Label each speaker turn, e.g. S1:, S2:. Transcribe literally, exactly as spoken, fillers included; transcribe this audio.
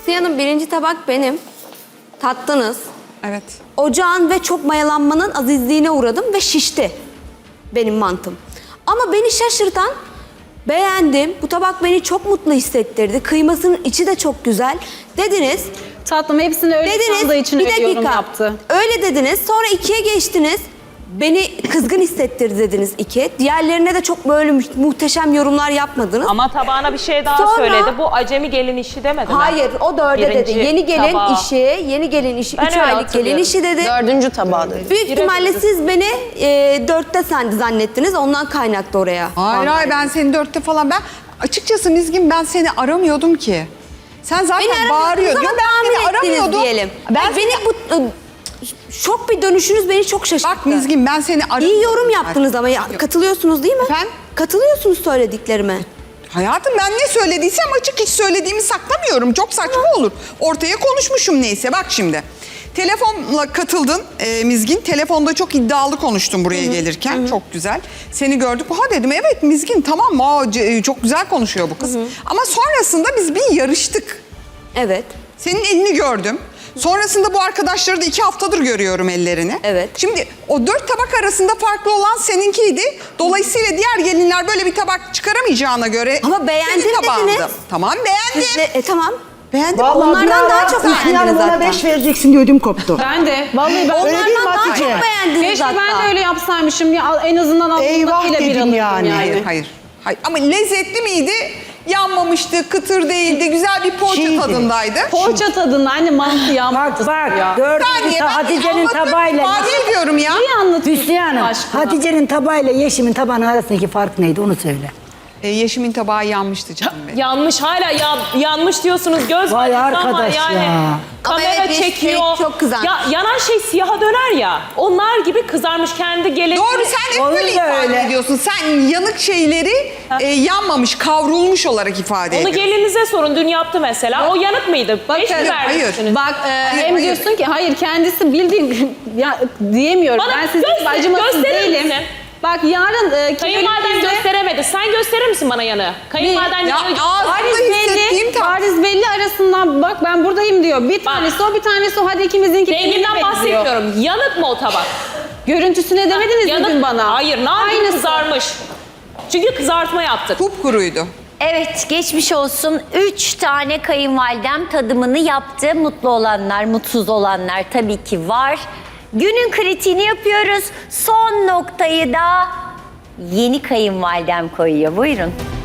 S1: Hanım, birinci tabak benim. Tattınız.
S2: Evet.
S1: Ocağın ve çok mayalanmanın azizliğine uğradım ve şişti benim mantım. Ama beni şaşırtan, beğendim. Bu tabak beni çok mutlu hissettirdi. Kıymasının içi de çok güzel. Dediniz.
S3: Tatlım hepsini öyle
S1: Dediniz.
S3: sandığı için
S1: Bir
S3: öyle yorum
S1: dakika.
S3: yaptı.
S1: Öyle dediniz. Sonra ikiye geçtiniz. Beni kızgın hissettirdi dediniz iki. Diğerlerine de çok böyle mu- muhteşem yorumlar yapmadınız.
S4: Ama tabağına bir şey daha
S1: Sonra-
S4: söyledi. Bu acemi gelin işi demedi mi?
S1: Hayır, o dörde
S4: Birinci
S1: dedi. Yeni gelin
S4: tabağı.
S1: işi, yeni gelin işi,
S4: Ben
S1: üç
S4: öyle
S1: aylık gelin
S4: hatırlıyorum.
S1: işi dedi.
S5: Dördüncü tabağı dedi.
S1: Büyük ihtimalle siz beni e, dörtte sen zannettiniz. Ondan kaynaklı oraya.
S2: Hayır hayır ben seni dörtte falan ben açıkçası Mizgin ben seni aramıyordum ki. Sen zaten
S1: Beni
S2: bağırıyordun.
S1: aramıyordunuz
S2: Ben
S1: ama
S2: seni
S1: tahmin ettiniz
S2: aramıyordum.
S1: diyelim.
S2: Ben
S1: Ay, beni bu e, şok bir dönüşünüz beni çok şaşırttı.
S2: Bak Mizgin ben seni aramıyordum.
S1: İyi yorum yaptınız ama ya, katılıyorsunuz değil mi?
S2: Efendim?
S1: Katılıyorsunuz söylediklerime.
S2: Hayatım ben ne söylediysem açık, hiç söylediğimi saklamıyorum. Çok saçma olur. Ortaya konuşmuşum neyse. Bak şimdi. Telefonla katıldın e, Mizgin. Telefonda çok iddialı konuştun buraya gelirken. Çok güzel. Seni gördük. Ha dedim evet Mizgin tamam. Aa, c- çok güzel konuşuyor bu kız. Ama sonrasında biz bir yarıştık.
S1: Evet.
S2: Senin elini gördüm. Sonrasında bu arkadaşları da iki haftadır görüyorum ellerini.
S1: Evet.
S2: Şimdi o dört tabak arasında farklı olan seninkiydi. Dolayısıyla diğer gelinler böyle bir tabak çıkaramayacağına göre...
S1: Ama beğendim
S2: senin tabağındı.
S1: dediniz.
S2: Tamam beğendim.
S1: Siz de, e, tamam.
S2: Beğendim.
S1: Onlardan daha çok
S6: Yani
S1: beğendiniz
S6: bana
S1: zaten.
S6: beş vereceksin diye ödüm koptu.
S3: Ben de. Vallahi ben
S6: Öyle değil mi
S1: Onlardan daha
S6: Hatice?
S1: çok beğendiniz
S3: keşke
S1: hatta.
S3: ben de öyle yapsaymışım. Ya, en azından
S6: Eyvah
S3: alnımdakiyle bir
S6: dedim
S3: alırdım
S6: yani.
S3: yani.
S2: Hayır, hayır. Hayır. Ama lezzetli miydi? Yanmamıştı, kıtır değildi, güzel bir poğaça
S6: Çiğdi.
S2: tadındaydı.
S3: Poğaça tadında anne mantı ya.
S6: Bak bak
S3: ya.
S6: gördün mü
S2: Saniye, ben
S6: Hatice'nin
S2: anlatmak
S6: tabağıyla
S2: ifade ediyorum ya.
S3: Niye anlatıyorsun
S6: Hüsnü Hanım,
S3: aşkına?
S6: Hatice'nin tabağıyla Yeşim'in tabağının arasındaki fark neydi onu söyle.
S2: E, Yeşim'in tabağı yanmıştı canım benim.
S4: Yanmış hala ya, yanmış diyorsunuz göz
S6: Vay
S4: var ama
S6: arkadaş
S4: yani
S6: ya.
S4: kamera
S1: Ama evet, bir
S4: çekiyor.
S1: şey çok kızarmış.
S4: Ya yanan şey siyaha döner ya. Onlar gibi kızarmış kendi gelin.
S2: Doğru sen hep
S6: Onun
S2: böyle
S6: da
S2: ifade
S6: öyle.
S2: ediyorsun. Sen yanık şeyleri e, yanmamış, kavrulmuş olarak ifade
S4: Onu
S2: ediyorsun.
S4: gelinize sorun. Dün yaptı mesela. O yanık mıydı? Beş mi
S2: hayır,
S4: vermişsiniz?
S3: Bak e, hem
S2: hayır.
S3: diyorsun ki hayır kendisi bildiğin ya diyemiyorum.
S4: Bana
S3: ben sizin
S4: göster-
S3: gibi acımasız
S4: gösterir
S3: değilim.
S4: misin?
S3: Bak yarın e,
S4: Kayınvaliden
S3: kimlikte-
S4: gösteremedi. Sen gösterir misin bana yanı? Kayınvaliden
S2: Ya
S4: yanı...
S2: ağzımda
S3: Bariz
S2: hissettiğim
S3: belli,
S2: tat.
S3: bariz belli arasından bak ben buradayım diyor. Bir tanesi o bir tanesi o hadi ikimizinki
S4: Renginden
S3: birbirine
S4: bahsetmiyorum. Yanık mı o tabak?
S3: Görüntüsüne demediniz mi
S4: Yanık
S3: dün bana?
S4: Hayır, ne yapayım
S3: Aynısı.
S4: kızarmış. Çünkü kızartma yaptık.
S2: Kupkuruydu.
S7: Evet, geçmiş olsun. Üç tane kayınvalidem tadımını yaptı. Mutlu olanlar, mutsuz olanlar tabii ki var. Günün kritiğini yapıyoruz. Son noktayı da yeni kayınvalidem koyuyor. Buyurun.